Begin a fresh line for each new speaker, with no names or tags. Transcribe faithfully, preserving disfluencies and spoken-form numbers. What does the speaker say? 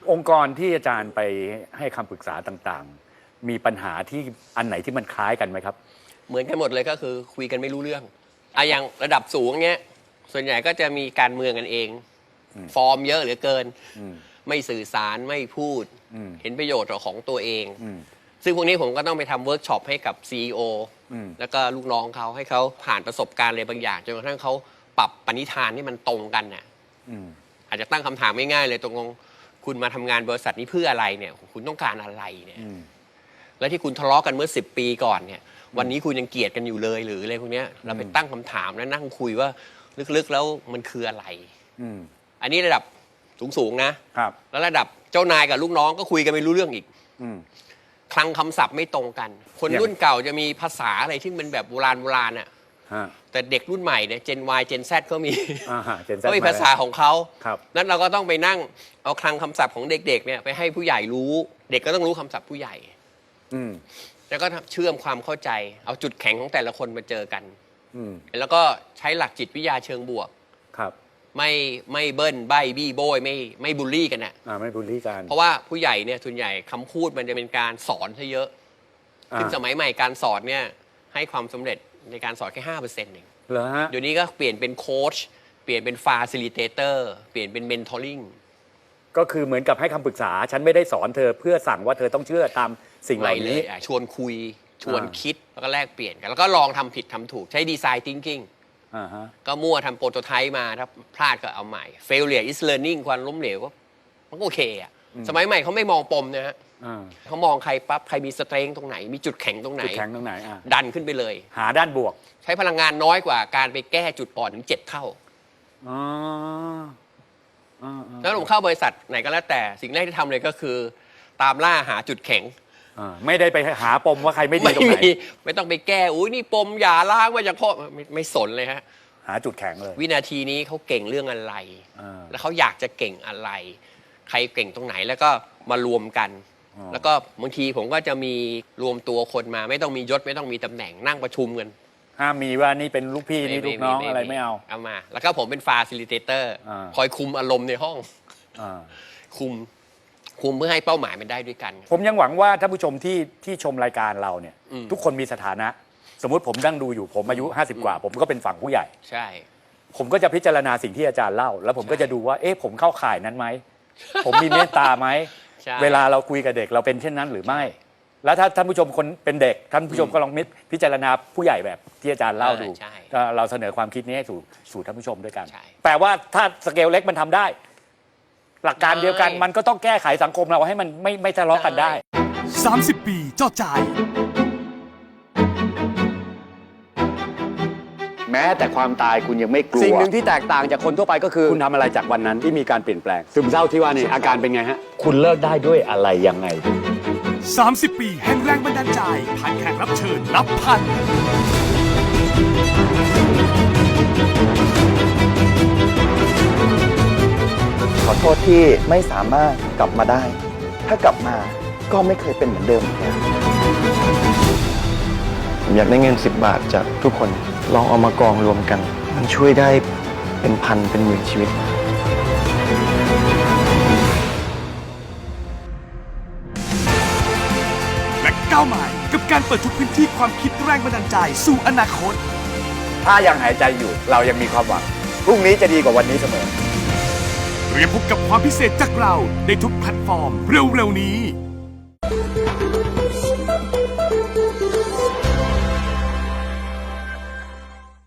องค์กรที่อาจารย์ไปให้คำปรึกษาต่างๆมีปัญหาที่อันไหนที่มันคล้ายกันไหมครับ
เหมือนกันหมดเลยก็คือคุยกันไม่รู้เรื่องอะอย่างระดับสูงเงี้ยส่วนใหญ่ก็จะมีการเมืองกันเองฟอร์มเยอะเหลือเกินไม่สื่อสารไม่พูดเห็นประโยชน์ของตัวเองซึ่งพวกนี้ผมก็ต้องไปทำเวิร์กช็อปให้กับ ซี อี โอ แล้วก็ลูกน้องเขาให้เขาผ่านประสบการณ์อะไรบางอย่างจนกระทั่งเขาปรับปณิธานที่มันตรงกันน่ะอาจจะตั้งคำถามง่ายๆเลยตรงคุณมาทำงานบริษัทนี้เพื่ออะไรเนี่ยคุณต้องการอะไรเนี่ยแล้วที่คุณทะเลาะกันเมื่อสิบปีก่อนเนี่ยวันนี้คุณยังเกลียดกันอยู่เลยหรืออะไรพวกนี้เราไปตั้งคำถามแล้วนั่งคุยว่าลึกๆแล้วมันคืออะไรอันนี้ระดับสูงๆนะครับแล้วระดับเจ้านายกับลูกน้องก็คุยกันไม่รู้เรื่องอีกคลังคำศัพท์ไม่ตรงกันคนรุ่นเก่าจะมีภาษาอะไรที่มันแบบโบราณโบราณอ่ะแต่เด็กรุ่นใหม่เนี่ย Gen Y Gen Z เขามีเขามีภาษาของเขานั้นเราก็ต้องไปนั่งเอาคลังคำศัพท์ของเด็กๆเนี่ยไปให้ผู้ใหญ่รู้เด็กก็ต้องรู้คำศัพท์ผู้ใหญ่แล้วก็เชื่อมความเข้าใจเอาจุดแข็งของแต่ละคนมาเจอกันแล้วก็ใช้หลักจิตวิทยาเชิงบวกไม่ไม่เบิ้ลใบบี้โบยไม่ไม่บูลลี่กันอ่ะ
ไม่บูลลี่กัน
เพราะว่าผู้ใหญ่เนี่ยส่วนใหญ่คำพูดมันจะเป็นการสอนซะเยอะซึ่งสมัยใหม่การสอนเนี่ยให้ความสำเร็จในการสอนแค่ห้าเปอร์เซ็นต์เอง
เหรอฮะ
เดี๋ยวนี้ก็เปลี่ยนเป็นโค้ชเปลี่ยนเป็นฟาซิลิเตเตอร์เปลี่ยนเป็นเมนทอริ่ง
ก็คือเหมือนกับให้คำปรึกษาฉันไม่ได้สอนเธอเพื่อสั่งว่าเธอต้องเชื่อตามสิ่งเหล่านี้
ชวนคุยชวนคิดแล้วก็แลกเปลี่ยนกันแล้วก็ลองทำผิดทำถูกใช้ดีไซน์ thinkingก็มั่วทำโปรโตไทป์มาถ้าพลาดก็เอาใหม่ failure is learning ความล้มเหลวก็มันก็โอเคอ่ะสมัยใหม่เขาไม่มองปมนะฮะเขามองใครปั๊บใครมีสเตรนท์ตรงไหนมีจุดแข็งตรงไหน
จุดแข็งตรงไหน
ดันขึ้นไปเลย
หาด้านบวก
ใช้พลังงานน้อยกว่าการไปแก้จุดอ่อนถึงเจ็ดเท่าแล้วผมเข้าบริษัทไหนก็แล้วแต่สิ่งแรกที่ทำเลยก็คือตามล่าหาจุดแข็ง
ไม่ได้ไปหาปมว่าใครไม่ดีตรงไหน
ไม่ต้องไปแก้อุ้ยนี่ปมอย่าล้างมาจากพ่อไม่ไม่สนเลยฮะ
หาจุดแข็งเลย
วินาทีนี้เขาเก่งเรื่องอะไรแล้วเขาอยากจะเก่งอะไรใครเก่งตรงไหนแล้วก็มารวมกันแล้วก็บางทีผมก็จะมีรวมตัวคนมาไม่ต้องมียศไม่ต้องมีตำแหน่งนั่งประชุมกัน
ห้ามมีว่านี่เป็นลูกพี่นี่ลูกน้องอะไรไม่เอา
เอามาแล้วก็ผมเป็นฟาซิลิเตเตอร์คอยคุมอารมณ์ในห้องคุมคุมเพื่อให้เป้าหมายมันได้ด้วยกัน
ผมยังหวังว่าท่านผู้ชมที่ที่ชมรายการเราเนี่ยทุกคนมีสถานะสมมุติผมนั่งดูอยู่ผมอายุห้าสิบกว่าผมก็เป็นฝั่งผู้ใหญ่
ใช่
ผมก็จะพิจารณาสิ่งที่อาจารย์เล่าแล้วผมก็จะดูว่าเอ๊ะผมเข้าข่ายนั้นไหมผมมีเมตตาไหมเวลาเราคุยกับเด็กเราเป็นเช่นนั้นหรือไม่แล้วถ้าท่านผู้ชมคนเป็นเด็กท่านผู้ชมก็ลองพิจารณาผู้ใหญ่แบบที่อาจารย์เล่าดูเราเสนอความคิดนี้ให้สู่สู่ท่านผู้ชมด้วยกันแปลว่าถ้าสเกลเล็กมันทำได้หลักการเดียวกันมันก็ต้องแก้ไขสังคมเราให้มันไม่ไม่ทะเลาะกันได้
สามสิบปีเจ้าใจ
แม้แต่ความตายคุณยังไม่กลัวสิ่งหนึ่งที่แตกต่างจากคนทั่วไปก็คือคุณทำอะไรจากวันนั้นที่มีการเปลี่ยนแปลงซึมเศร้าที่ว่านี่อาการเป็นไงฮะคุณเลิกได้ด้วยอะไรยังไง
สามสิบปีแห่งแรงบันดาลใจผ่านแขกรับเชิญนับพัน
ขอโทษที่ไม่สามารถกลับมาได้ถ้ากลับมาก็ไม่เคยเป็นเหมือนเดิมอีกแล้วผมอยากได้เงินสิบบาทจากทุกคนลองเอามากองรวมกันมันช่วยได้เป็นพันเป็นหมื่นชีวิต
และก้าวใหม่กับการเปิดทุกพื้นที่ความคิดแรงบันดาลใจสู่อนาคต
ถ้ายังหายใจอยู่เรายังมีความหวังพรุ่งนี้จะดีกว่าวันนี้เสมอ
เตรียมพบกับความพิเศษจากเราในทุกแพลตฟอร์มเร็วๆนี้